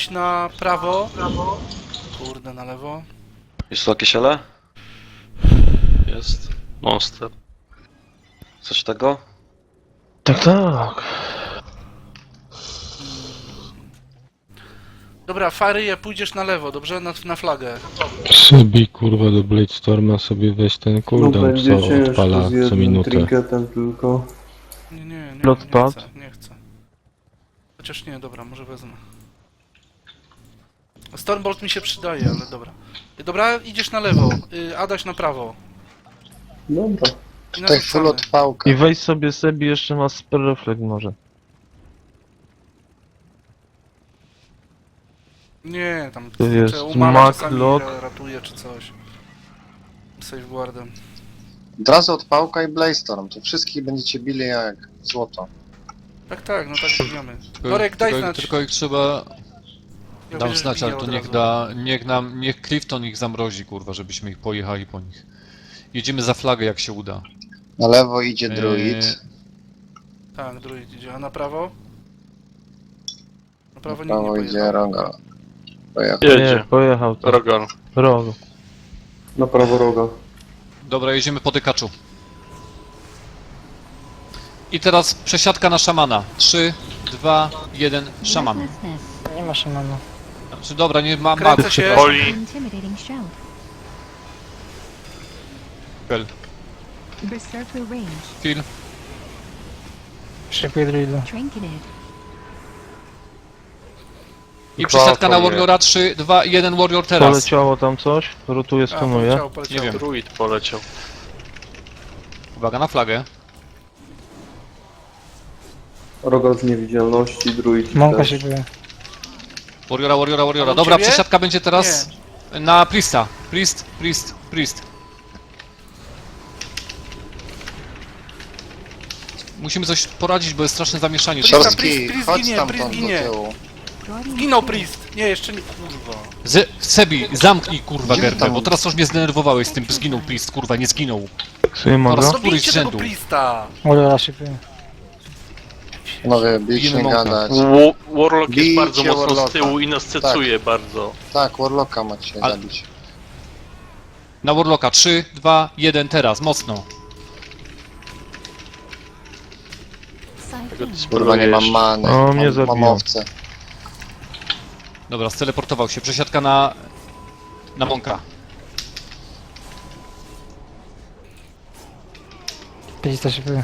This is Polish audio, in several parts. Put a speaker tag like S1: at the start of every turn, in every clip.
S1: idź na prawo. Kurde, na lewo.
S2: Jest tu jakieś ele? Jest. Monster. Coś tego?
S3: Tak, tak.
S1: Dobra, Faryje, pójdziesz na lewo, dobrze? Na flagę.
S3: Sobie kurwa do Bladestorma sobie weź ten
S4: No
S3: cooldown,
S4: będzie
S3: co
S4: ciężko
S3: odpala
S4: z
S3: co
S4: jednym
S3: minutę.
S4: trinketem tylko.
S1: Nie
S3: Lotpad?
S1: chcę. Chociaż nie, dobra, może wezmę. Stormbolt mi się przydaje, ale dobra. Dobra, idziesz na lewo, Adaś na prawo.
S4: Dobra.
S1: I
S5: Tutaj full
S1: narzucamy.
S5: odpałka.
S3: I weź sobie jeszcze ma spell reflect może.
S1: Nie, tam
S3: To jest
S1: czy umana
S3: Mac
S1: czasami
S3: Lock.
S1: ratuje czy coś. Safeguardem.
S5: Od razu odpałka i Blaze to wszystkich będziecie bili jak złoto.
S1: Tak, no tak bijemy. Norek, daj znać.
S6: Tylko ich trzeba
S1: Ja
S6: dam
S1: widzę, że
S6: znać, ale
S1: bije
S6: to
S1: od
S6: niech
S1: razu.
S6: da, niech Clifton ich zamrozi, kurwa, żebyśmy ich pojechali po nich. Jedziemy za flagę, jak się uda.
S5: Na lewo idzie druid.
S1: Tak, druid idzie. A na prawo? Na prawo
S5: Na
S1: nikt nie
S5: prawo idzie
S1: pojechał.
S5: Rogal. Pojechał.
S3: Nie, pojechał to.
S2: Rogal.
S3: Rogo.
S4: Na prawo roga.
S6: Dobra, jedziemy po dykaczu. I teraz przesiadka na szamana. 3, 2, 1, szaman.
S7: Nie ma szamana.
S6: Znaczy, dobra, nie ma
S1: Kręcę się.
S2: Oli.
S7: Intimidating shout.
S6: Pel.
S7: Berserker range.
S6: Phil.
S7: Szykuję druida. Trinketed.
S6: I przesiadka na Warriora. 3, 2, 1, Warrior teraz.
S3: Poleciało tam coś? Rotuje, stunuje.
S1: Poleciało.
S6: Nie wiem.
S2: Druid poleciał.
S6: Uwaga na flagę.
S4: Rogal z niewidzialności, druid
S7: Mąka
S4: też.
S7: szykuje.
S6: Warriora.
S1: A u
S6: Dobra,
S1: ciebie?
S6: przesiadka będzie teraz na Priesta. Priest. Musimy coś poradzić, bo jest straszne zamieszanie.
S1: Priesta,
S5: Szorski,
S1: Priest
S5: chodź
S1: ginie,
S5: stamtąd
S1: Priest
S5: do
S1: ginie.
S5: tyłu.
S1: Zginął Priest! Nie, jeszcze nie, kurwa.
S6: Sebi, zamknij kurwa
S5: Gdzie
S6: gębę,
S5: tam?
S6: bo teraz już mnie zdenerwowałeś z tym, zginął Priest, kurwa, nie zginął.
S3: Sobie mogę?
S6: Oraz-
S1: Dobijcie
S6: Któryś z
S1: tego
S6: rzędu.
S1: Priesta!
S7: Warriora szykuje.
S5: Panowie, bić
S6: Bijemy
S5: nie
S6: Monka.
S5: gadać.
S2: Warlock jest
S5: Bijcie
S2: bardzo mocno z
S5: Warlocka.
S2: tyłu i nas cecuje bardzo.
S5: Tak, Warlocka macie
S6: Ale-
S5: zabić.
S6: Na Warlocka, 3, 2, 1, teraz, mocno.
S5: Kurwa, nie mam many.
S3: O, mnie
S5: Mam
S3: zabiją.
S5: owce.
S6: Dobra, steleportował się, przesiadka na Monka.
S7: Priesta szykuje.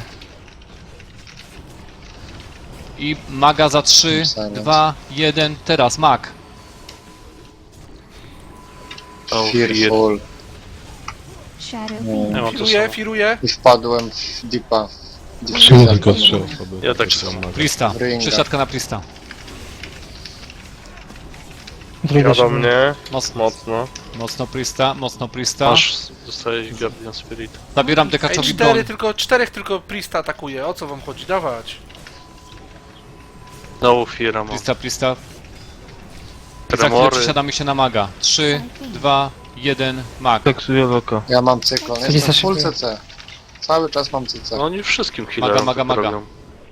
S6: I maga za 3,
S5: Silence.
S6: 2, 1, teraz, mag.
S5: Fearful.
S7: Shadow
S5: Nie.
S2: Ja mam to
S1: Firuję.
S5: I wpadłem w deepa.
S3: Czemu tylko 3 osoby?
S2: Ja tak samo.
S6: Priesta,
S5: Ringa.
S6: przesiadka na Priesta.
S7: druida szykuje.
S2: mnie.
S6: Mocno, mocno Priesta.
S2: Masz, dostałeś Guardian Spirit.
S6: Zabieram
S1: Ej,
S6: dekaczowi broń.
S1: czterech tylko Priesta atakuje. O co wam chodzi? Dawać.
S2: No Fira mam.
S6: Priesta. Za chwilę
S2: Tremory.
S6: przesiadamy się na maga. 3, 2, 1, mag.
S3: Teksuję loka.
S5: Ja mam cyklon,
S7: Lisa
S5: jestem full
S7: szykuje.
S5: CC. Cały czas mam CC.
S2: No oni wszystkim healerom
S6: Maga.
S2: tak robią.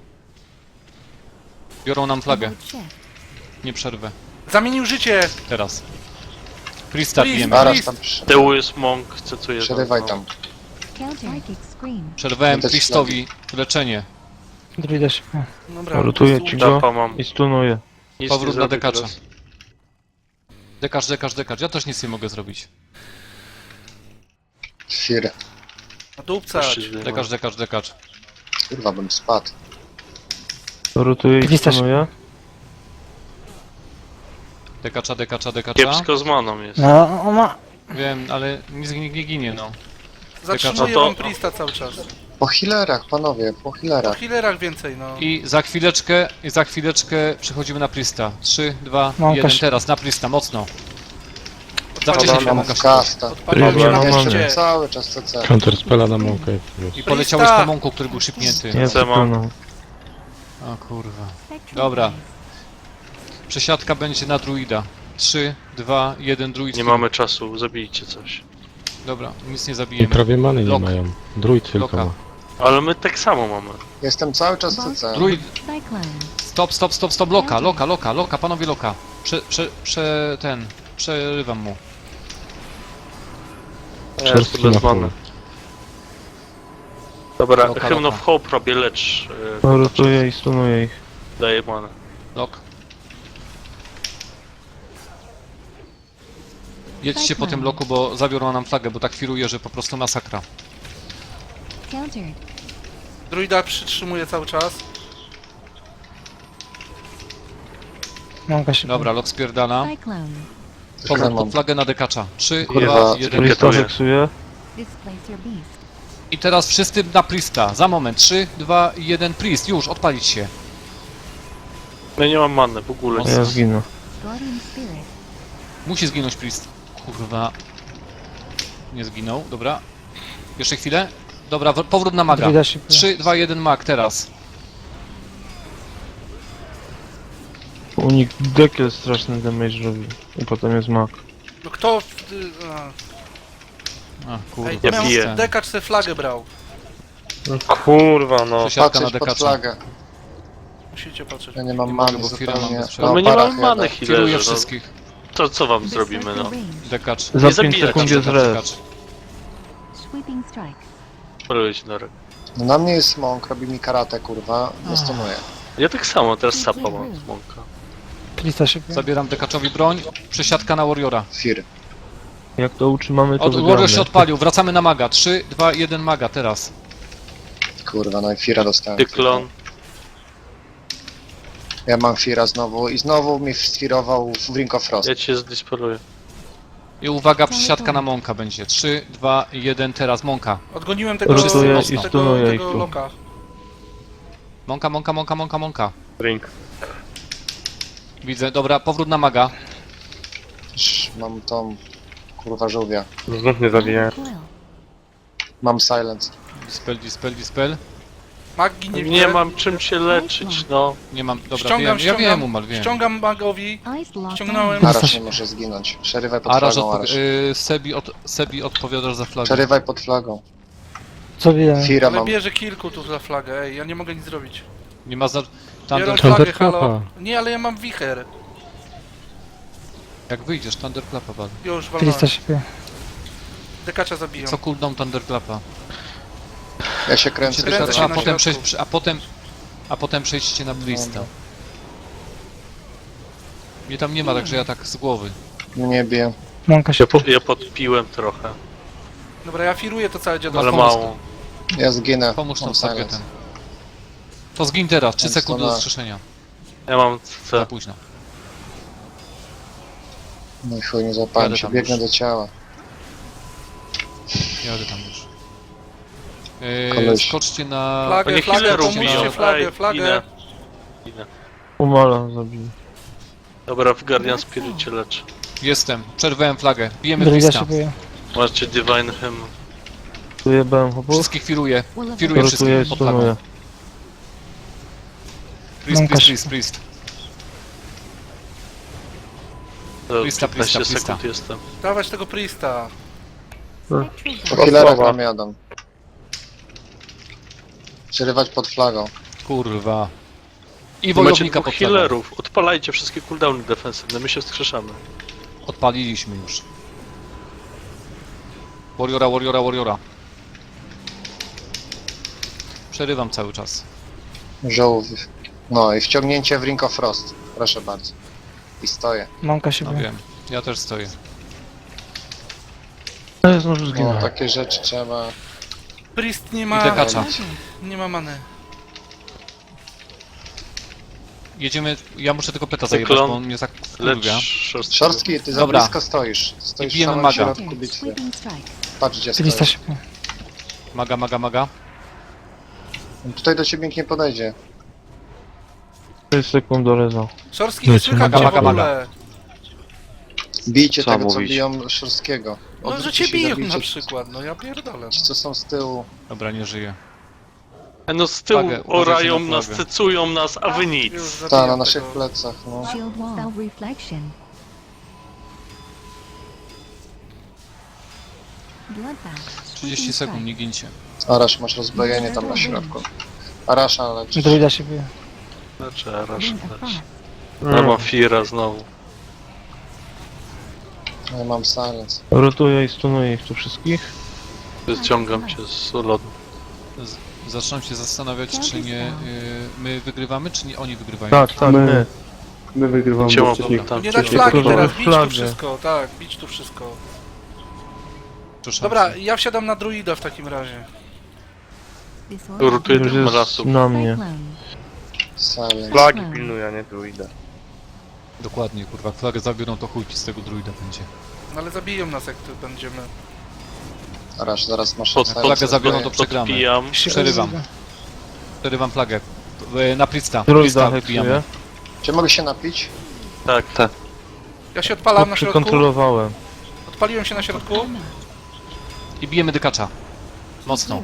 S6: Biorą nam flagę. Nie przerwę.
S1: Zamienił życie!
S6: Teraz. Priesta
S1: Priest.
S6: bijemy.
S5: Zaraz tam przy...
S2: Z tyłu jest Monk, cecuje.
S5: przerywaj tam.
S7: Counter. Scream.
S6: Przerwałem
S5: Widać
S6: Priestowi leczenie.
S7: Druida szykuje.
S1: Dobra,
S3: Rotuję
S1: po
S3: ci
S1: prostu
S3: go
S2: Tapa mam.
S3: i stunuję.
S2: Nic
S6: Powrót
S2: nie
S6: na
S2: zrobię
S6: dekacza.
S2: teraz.
S6: Dekacz. Ja też nic nie mogę zrobić.
S5: Fear.
S1: Nadupcać.
S6: Dekacz.
S5: Kurwa, bym spadł.
S3: Rotuję i
S7: Priesta
S3: stunuję.
S6: Dekacza.
S2: Kiepsko z maną jest.
S7: No, on ma...
S6: Wiem, ale nic nie ginie, no.
S1: Zatrzymuję
S2: No to-
S1: wam Priesta cały czas.
S5: Po healerach, panowie, po
S1: O
S5: healerach.
S1: healerach więcej, no.
S6: I za chwileczkę przechodzimy na Priesta. 3, 2,
S7: Mąka
S6: 1,
S7: się-
S6: teraz na Priesta, mocno. Za
S1: Odpalcie
S6: wcześnie
S1: się,
S6: się
S5: Mam
S6: Monka
S5: w kasta.
S1: odpalcie się
S3: Dobra,
S1: na
S3: no
S5: Jeszcze
S3: mamy.
S1: Prieście.
S5: cały czas CC.
S3: Counter spela na mąkę.
S6: I poleciałeś po Monku, który był szybnięty.
S3: Nie,
S2: Co mam?
S3: stunął.
S6: O kurwa. Dobra. Przesiadka będzie na druida. 3, 2, 1, druid.
S2: Nie mamy czasu, zabijcie coś.
S6: Dobra, nic nie
S3: I
S6: zabijemy.
S3: prawie many nie
S6: Lok.
S3: mają. Druid tylko
S6: Loka.
S3: ma.
S2: Ale my tak samo mamy.
S5: Jestem cały czas CC.
S6: Druid.
S7: Cyclone.
S6: Stop. Loka, panowie loka. Przerywam mu.
S2: Ja jestem bez
S3: na
S2: many. Dobra,
S6: Loka,
S2: Hymn
S6: loka.
S2: of Hope robię, lecz...
S3: No, rotuję i stunuję ich.
S2: Daję manę.
S6: Lok. Jedźcie po tym loku, bo zabiorą nam flagę, bo tak firuje, że po prostu masakra.
S7: Countered.
S1: Druida przytrzymuje cały czas.
S7: Mąka się
S6: Dobra, lok spierdala.
S7: Cyclone.
S6: Powrót
S5: mam.
S6: pod flagę na dekacza. 3,
S2: Kurwa,
S6: 2, 1.
S3: Krista
S2: Dziękuję.
S3: weksuje.
S7: Displacer beast.
S6: I teraz wszyscy na Priesta. Za moment. 3, 2, 1. Priest. Już, odpalić się.
S2: Ja nie mam many w ogóle.
S6: Mocno.
S3: Ja zginę.
S7: Guardian spirit.
S6: Musi zginąć Priest. Kurwa. Nie zginął, dobra. Jeszcze chwilę. Dobra, powrót na maga.
S7: Druida się
S6: 3, 2, 1 mag teraz.
S3: Unik dekiel straszny damage robi. I potem jest mak.
S1: No kto...
S6: A, kurwa.
S1: Ej,
S2: Ja
S1: miał
S2: biję.
S1: dekacz se flagę brał.
S2: No kurwa, no.
S6: Przesiadka na
S5: Patrzeć pod
S6: dekacza.
S5: flagę.
S1: Musicie patrzeć.
S5: Ja nie mam
S6: Nie mogę,
S5: many
S6: bo Fira mam
S5: zupełnie.
S6: bez
S2: No my nie
S5: parach
S2: mamy many,
S5: jadę.
S6: Firuję
S2: healerzy, no.
S6: wszystkich.
S2: To co wam zrobimy,
S7: Berserker
S2: no?
S7: range.
S6: Dekacz.
S3: Za 5
S2: zabijać,
S3: sekund jest
S6: Dekacz,
S3: res.
S6: dekacz.
S7: Sweeping strike.
S2: Polujcie na rek.
S5: No na mnie jest smąk, robi mi karate, kurwa. Zastanuję.
S2: Ja tak samo, teraz sapa mam z mąka.
S7: Krista się
S6: Zabieram dekaczowi broń. Przesiadka na Warriora.
S5: Fir.
S3: Jak to utrzymamy, to
S6: Warrior
S3: wygramy.
S6: się odpalił. Wracamy na maga. 3, 2, 1 maga teraz.
S5: Kurwa, no i Fira dostałem.
S2: Cyklon.
S5: Ja mam Fira znowu i znowu mi sfirował w Ring of Frost.
S2: Ja cię zdisporuję.
S6: I uwaga, przesiadka na Monka będzie. 3, 2, 1 teraz Monka.
S1: Odgoniłem tego,
S3: Rotuję
S6: i
S1: tego,
S3: stunuję ich
S1: tego
S3: tu.
S1: loka.
S6: Monka.
S2: Ring.
S6: Widzę, dobra, powrót na maga.
S5: Mam tą kurwa żółwia.
S2: Znów mnie zabiję.
S7: Coil.
S5: Mam silence.
S6: Dispel.
S1: Magii nie widzę.
S2: Nie mam czym się leczyć, no.
S6: Nie mam, dobra,
S1: Ściągam,
S6: wiem, ja wiem, Umal, wiem.
S1: ściągam magowi.
S7: Ice lock.
S1: Ściągnąłem.
S5: Arasz nie może zginąć. Przerywaj pod
S6: Araż,
S5: flagą, Arasz.
S6: Sebi odpowiadasz za flagę.
S5: Przerywaj pod flagą.
S7: Co wiem?
S5: Fira
S1: Ale
S5: mam.
S1: bierze kilku tu za flagę, ej, ja nie mogę nic zrobić.
S6: Nie ma za...
S1: Biorę
S6: Thunder,
S1: flagę,
S3: Thunderclapa.
S1: halo. Nie, ale ja mam wicher.
S6: jak wyjdziesz, Thunderclapa wal.
S1: Już, walnąłem.
S7: Krista się
S1: Dekacza zabiją.
S6: Co cooldown Thunderclapa?
S5: Ja się kręcę.
S1: Kręcę
S5: teraz.
S1: się
S6: A
S1: na
S6: potem,
S1: środku.
S6: a potem przejdźcie na Blista.
S5: Dobra.
S6: Mnie tam nie ma, także ja tak z głowy.
S5: Nie biję.
S7: Mąka się
S2: Ja podpiłem trochę,
S1: Dobra, ja firuję to całe
S2: ale
S1: dziadostwo.
S2: mało.
S5: Ja zginę.
S6: Pomóż
S5: Mam
S6: nam
S5: silence.
S6: targetem. To zgin teraz, 3
S5: Więc
S6: sekundy
S5: to
S6: do
S5: na-
S6: wskrzeszenia.
S2: Ja mam
S6: Za
S2: C.
S6: późno.
S5: No i chuj, nie złapałem
S6: Jadę
S5: się.
S6: tam
S5: Biegnę
S6: już.
S5: do ciała.
S6: Jadę tam już.
S5: Koleś.
S6: Skoczcie na...
S1: Flagę,
S2: Oni
S1: flagę,
S2: healerów
S1: pomóżcie,
S2: biją.
S1: flagę,
S2: Ej,
S1: flagę.
S2: inę.
S3: Umala zabił.
S2: Dobra, w Guardian Spirit cię lecz.
S6: Jestem, przerwałem flagę. Bijemy
S7: Druida
S6: Blista.
S7: się bije.
S2: Macie Divine Hymn.
S3: Tu jebałem chłopów.
S6: Wszystkich firuję.
S7: Will of
S6: Firuję
S3: Rotuję i
S6: wszystkich pod flagą.
S3: stunuję.
S6: Priest.
S2: To
S6: Prista,
S2: 15
S6: Prista.
S2: sekund jestem.
S1: Dawać tego Priesta.
S7: spectral
S5: Po
S7: guard.
S5: healerach nam jadą. Przerywać pod flagą.
S6: Kurwa. I
S2: Macie
S6: wojownika
S2: dwóch
S6: pod flagą.
S2: healerów. Odpalajcie wszystkie cooldowny defensywne, my się wskrzeszamy.
S6: Odpaliliśmy już. Warriora. Przerywam cały czas.
S5: Żółw. No i wciągnięcie w Ring of Frost. Proszę bardzo. I stoję.
S7: Mąka się
S6: No
S7: bije.
S6: wiem. Ja też stoję.
S3: A ja znowu
S5: No,
S3: zginę.
S5: takie rzeczy trzeba...
S1: Priest nie
S6: I
S1: ma...
S6: dekacza.
S1: Nie ma many.
S6: Jedziemy, ja muszę tylko peta zajebać,
S2: Cyklon.
S6: bo on mnie tak
S2: Lecz
S6: wkurwia.
S2: szorstki.
S5: Szorstki, ty za
S6: Dobra.
S5: blisko stoisz. Stoisz w
S6: bijemy
S5: samym
S6: maga.
S5: środku bitwy.
S7: Sweeping strike.
S5: Patrz gdzie
S7: Krista
S5: stoisz.
S7: się bije.
S6: Maga.
S5: Tutaj do ciebie nikt nie podejdzie.
S3: 6 sekund do reza.
S1: Szorski nie
S3: Lecie,
S1: słychać
S6: maga,
S1: cię w
S6: maga,
S1: ogóle.
S5: Bijcie
S2: Co
S5: tego, co
S2: mówić?
S5: biją Szorskiego.
S1: No, że
S5: Odwróćcie
S1: cię
S5: się i
S1: biją
S5: zabijcie
S1: na przykład, no ja pierdolę.
S5: Ci, co są z tyłu.
S6: Dobra, nie żyję.
S2: No z tyłu
S6: Flagę, uważajcie
S2: orają
S6: na
S2: nas,
S6: flagę.
S2: cecują nas, a wy nic.
S1: Już
S5: Ta,
S1: zabijam
S5: na naszych
S1: tego.
S5: plecach, no.
S7: Shield wall. Self reflection. Bloodbath.
S6: 30 sekund, nie gincie.
S5: Arasz, masz rozbrojenie tam na środku. Arasza leczysz.
S7: Druida się bije.
S2: Znaczy, raz,
S7: Ring of frost.
S2: Ja mam Fira znowu.
S5: Ja mam silence.
S3: Rotuję i stunuję ich tu wszystkich.
S2: Ściągam cię z lodu.
S6: Zaczynam się zastanawiać, czy nie my wygrywamy, czy nie oni wygrywają.
S3: Tak, tak, my.
S4: My wygrywamy,
S2: Cię
S4: bo
S2: mam
S4: wcześniej
S2: tam.
S1: Nie dać
S3: Tylko
S1: flagi teraz, bić tu
S3: flagę.
S1: wszystko, tak, bić tu wszystko.
S6: Przepraszam.
S1: Dobra, ja wsiadam na druida w takim razie.
S7: Disorder.
S2: Rotuję
S3: Już
S2: tych
S3: jest
S2: lasów.
S3: na mnie.
S7: Cyclone.
S5: Silence.
S7: Flagi
S8: pilnuję, nie druida.
S6: Dokładnie, kurwa, flagę zabiorą, to chuj ci z tego druida będzie.
S1: No ale zabiją nas, jak tu będziemy.
S5: Zaraz masz
S6: Flagę zabiorą, to przegramy.
S2: Podpijam.
S6: Przerywam flagę. Na Prista.
S3: Druida
S6: wbijamy.
S3: heksuję.
S5: Czy mogę się napić?
S2: Tak.
S1: Ja się odpalam na środku.
S3: Przykontrolowałem.
S1: Odpaliłem się na środku.
S6: I bijemy dykacza. Mocno.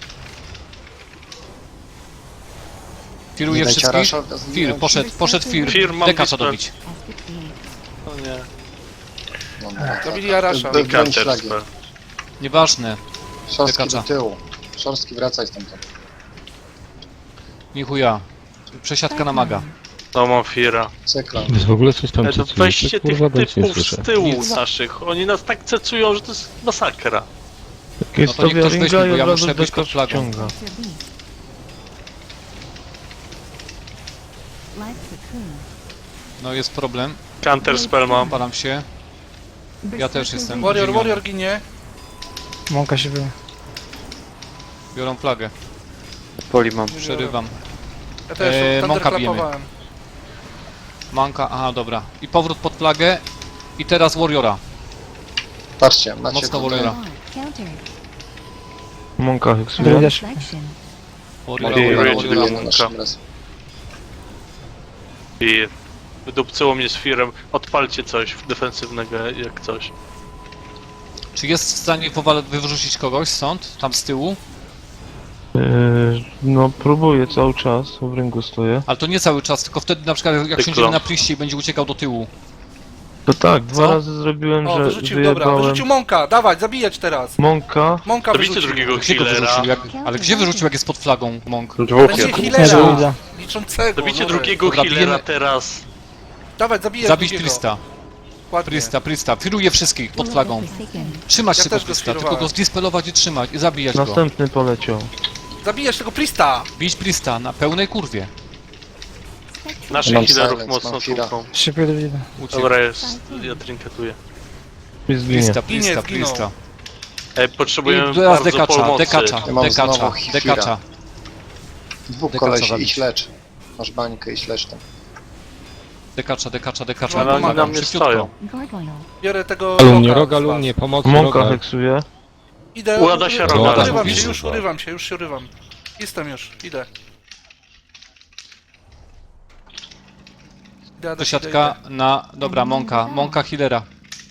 S6: Firuje wszystkich. Fir, poszedł Fir.
S2: Fir, mam
S6: Dekacza
S2: dispel.
S6: dobić.
S2: O nie.
S1: Zabili Arasha.
S5: Broń
S2: Counter
S5: flagi.
S2: spell.
S6: Nieważne.
S5: Szorstki
S6: Dekacza.
S5: do tyłu. Szorstki, wracaj stamtąd.
S6: Nie chuja. Przesiadka na maga.
S2: No mam Fira.
S5: Cyklon.
S8: Wy w ogóle coś tam
S2: To
S8: cycujecie?
S2: weźcie tych
S8: Kurwa, dajcie, nie
S2: typów
S8: słyszę.
S2: z tyłu
S6: Nic.
S2: naszych. Oni nas tak cecują, że to jest masakra.
S3: Jak jest
S6: No to niech ktoś
S3: ringa
S6: weźmie,
S3: i
S6: bo
S3: od
S6: ja
S3: razu
S6: muszę być pod
S3: dekacz
S6: flagą.
S3: wciąga.
S7: Cancer beast. Life cocoon.
S6: No jest problem.
S2: Counter spell mam.
S6: Param się. Ja też jestem.
S1: Warrior ginie.
S9: Mąka się była.
S6: Biorą flagę.
S8: Poli mam.
S6: Przerywam.
S1: Ja też
S6: Monka bijemy.
S1: thunderclapowałem.
S6: Manka, aha, dobra. I powrót pod flagę. I teraz Warriora.
S5: Patrzcie, macie
S6: Mocno
S5: tutaj
S6: Warriora.
S7: Counter.
S3: Monka heksuje.
S9: Druida.
S7: Reflection.
S6: Warriora,
S2: Ej,
S6: Warriora,
S2: Rage
S6: Warriora.
S2: Demon.
S5: naszym razem.
S2: I wydupcyło mnie z Firem. Odpalcie coś defensywnego, jak coś.
S6: Czy jest w stanie wyrzucić kogoś stąd? Tam z tyłu?
S3: No próbuję cały czas, w ringu stoję.
S6: Ale to nie cały czas, tylko wtedy na przykład jak
S2: Tylko.
S6: siądziemy na priście i będzie uciekał do tyłu.
S3: To tak, dwa
S6: Co?
S3: razy zrobiłem,
S1: O,
S3: że
S1: wyrzucił, dobra,
S3: wyjebałem
S1: wyrzucił Monka, dawać, zabijać teraz.
S3: Monka.
S1: Monka
S2: Zabijcie
S1: wyrzucił.
S2: drugiego
S6: Gdzie go
S2: healera.
S6: wyrzucił? Ale gdzie wyrzucił, jak jest pod flagą Monk?
S1: Będzie healera,
S9: Druida.
S1: liczącego.
S2: Zabijcie
S1: Norek.
S2: drugiego
S6: Dobra,
S2: healera
S6: bijemy-
S2: teraz.
S1: Dawaj, zabijaj
S6: Zabić
S1: drugiego.
S6: Prista.
S1: Ładnie.
S6: Prista. Firuje wszystkich pod flagą.
S7: Forsaken.
S6: Trzymać
S1: Ja
S6: tego
S1: też go
S6: Prista, tylko
S1: sfirowałem.
S6: go zdispelować i trzymać i zabijać go.
S3: Następny poleciał.
S1: Zabijać tego Prista!
S6: Bić Prista na pełnej kurwie.
S2: Naszych
S5: Mam
S2: healerów
S5: silence,
S2: mocno
S5: mam Fira.
S2: tłuką.
S9: Szybko druida.
S6: Uciekł.
S2: Dobra, jest. Ja trinketuję.
S3: I zginie.
S6: Prista.
S1: Zginął.
S2: Potrzebujemy
S6: I teraz
S2: bardzo pomocy.
S5: Ja mam znowu Hifira.
S6: dekacza.
S5: Dwóch
S6: Dekacza
S5: kolesi,
S6: zabić.
S5: idź lecz. Masz bańkę, idź lecz tam.
S6: Dekacza.
S1: No,
S2: Ale oni na mnie
S6: Szybciutko.
S2: stoją.
S7: Gargoyle.
S1: Biorę tego
S8: Alumnie,
S1: Roga
S8: roga,
S1: z was.
S8: alumnie, pomocy,
S3: Monka
S8: roga.
S3: heksuje.
S1: Idę,
S2: Łada się roga.
S1: urywam
S6: Widzisz?
S1: się, już się urywam. Jestem już, idę. Idę.
S6: Przesiadka na... Dobra, Monka healera.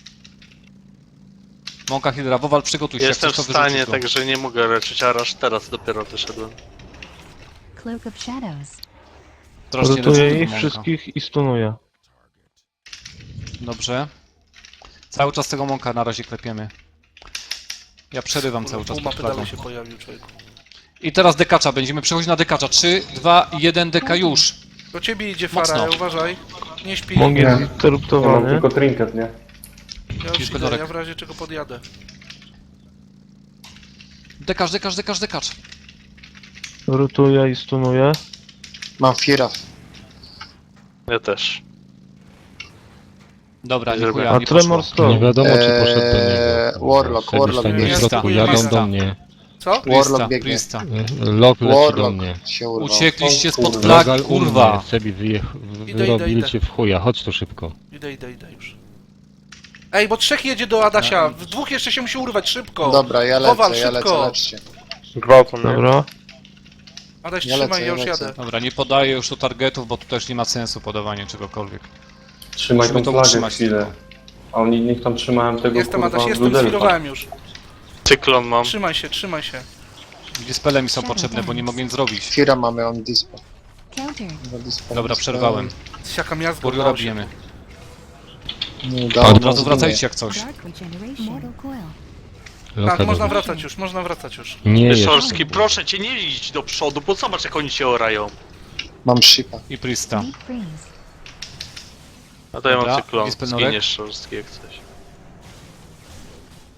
S6: Monka healera, Wowal przygotuj się, jak
S2: Jestem w
S6: chcesz, to
S2: stanie,
S6: wyrzucisz go.
S2: także nie mogę leczyć, a aż teraz dopiero wyszedłem.
S7: Cloak of Shadows.
S6: Strasznie leczę
S3: Rotuję
S6: tego
S3: ich
S6: Monka.
S3: wszystkich i stunuję.
S6: Dobrze. Cały czas tego Monka na razie klepiemy. Ja przerywam cały czas
S1: Pół
S6: pod
S1: mapy
S6: flagą.
S1: dalej się pojawił, człowieku.
S6: I teraz dekacza, będziemy przechodzić na dekacza. 3, 2, 1, deka już.
S1: Do ciebie idzie
S6: Mocno.
S1: Fara, uważaj. Nie śpi.
S3: Mong jest
S4: Ja mam
S3: interruptowany.
S4: tylko trinket, nie?
S1: Ja już
S6: Jest
S1: idę,
S6: pedorek.
S1: ja w razie czego podjadę.
S6: Dekacz.
S3: Rotuję i stunuję.
S5: Mam Fira.
S2: Ja też.
S6: Dobra, nie
S2: Żeby-
S6: chuja,
S3: A
S6: nie
S3: Tremor
S6: poszło.
S3: stoi.
S8: Nie wiadomo, czy poszedł do niego.
S5: Warlock, Warlock
S8: Tam
S5: biegnie.
S8: w środku, jadą
S1: Prista.
S8: do mnie.
S1: Co?
S5: Warlock biegnie.
S6: Prista.
S8: Lok leci do
S5: Warlock
S8: mnie.
S5: się urwał.
S6: Uciekliście spod
S4: kurwa.
S6: flag,
S8: Rogal u
S6: kurwa.
S8: mnie, Sebi
S1: Idę.
S8: wyrobili cię w chuja, chodź tu szybko.
S1: Idę już. Ej, bo trzech jedzie do Adasia. W dwóch jeszcze się musi urwać, szybko.
S5: Dobra, ja
S1: Kowal,
S5: lecę,
S1: szybko.
S5: leczcie.
S3: Dobra.
S1: Adaś,
S5: Ja
S1: trzymaj,
S5: lecę,
S1: ja już
S5: ja lecę.
S1: jadę.
S6: Dobra, nie podaję już tu targetów, bo tu też nie ma sensu podawanie czegokolwiek.
S4: Trzymaj
S6: Musimy
S4: tą
S6: to
S4: flagę
S6: utrzymać
S4: chwilę.
S6: tylko.
S4: A oni niech tam trzymałem tego
S1: Jestem
S4: kurwa
S1: Adaś, jestem,
S4: Brudelfa.
S1: sfirowałem już.
S2: Cyklon mam.
S1: Trzymaj się.
S6: Dispele mi są potrzebne, bo nie mogę nic zrobić.
S5: Fira mamy on dispo.
S7: Counter.
S6: Dobra, przerwałem.
S1: Siaka miazgo.
S6: Warriora bijemy.
S5: Nie
S6: Od
S5: udało
S6: razu wracajcie jak coś.
S7: Dark Regeneration. Mortal Coil.
S8: Loka
S1: Tak,
S8: do
S1: można
S8: mnie.
S1: wracać już.
S8: Nie jest.
S2: Szorski, proszę cię, nie idź do przodu, bo zobacz jak oni się orają.
S5: Mam shipa.
S6: I Prista.
S7: Deep freeze.
S2: A to ja mam
S6: Dobra,
S2: cyklon.
S6: Dispel Norek.
S2: Zginiesz Szorski jak coś.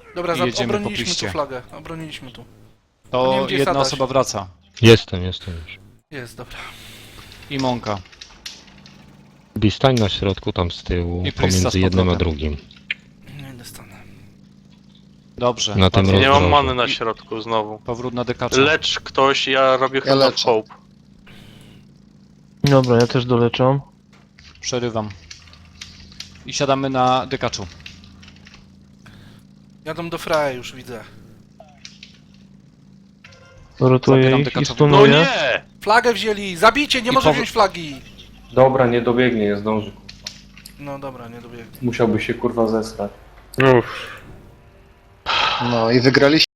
S1: Dobra,
S6: I jedziemy po
S1: obroniliśmy tu
S6: piście.
S1: flagę. Obroniliśmy tu. Nie
S6: To
S1: wiem, gdzie jest
S6: jedna
S1: Adaś.
S6: osoba wraca.
S8: Jestem już.
S1: Jest, dobra.
S6: I Monka.
S8: Bi, stań na środku tam z tyłu,
S6: I Prista z
S8: pomiędzy jednym a
S6: powrotem.
S8: drugim.
S1: Nie idę stanę.
S6: Dobrze.
S8: Na tym
S6: bardzo
S2: Nie mam
S8: rozdrożu.
S2: many na środku znowu.
S6: Powrót na dekacza.
S2: Lecz ktoś, ja robię Hand of
S5: leczę.
S2: Hope.
S3: Dobra, ja też doleczam.
S6: Przerywam. I siadamy na dekaczu.
S1: Jadą do Freya już, widzę.
S3: Rotuję
S6: Zabieram
S3: ich i
S6: dekaczowi.
S2: No
S3: stunuję.
S2: nie!
S1: Flagę wzięli! Zabijcie, nie
S6: I
S1: może
S6: powr-
S1: wziąć flagi!
S4: Dobra, nie dobiegnie, nie zdąży.
S1: No dobra, nie dobiegnie.
S4: Musiałby się kurwa zesrać.
S5: No i wygraliśmy.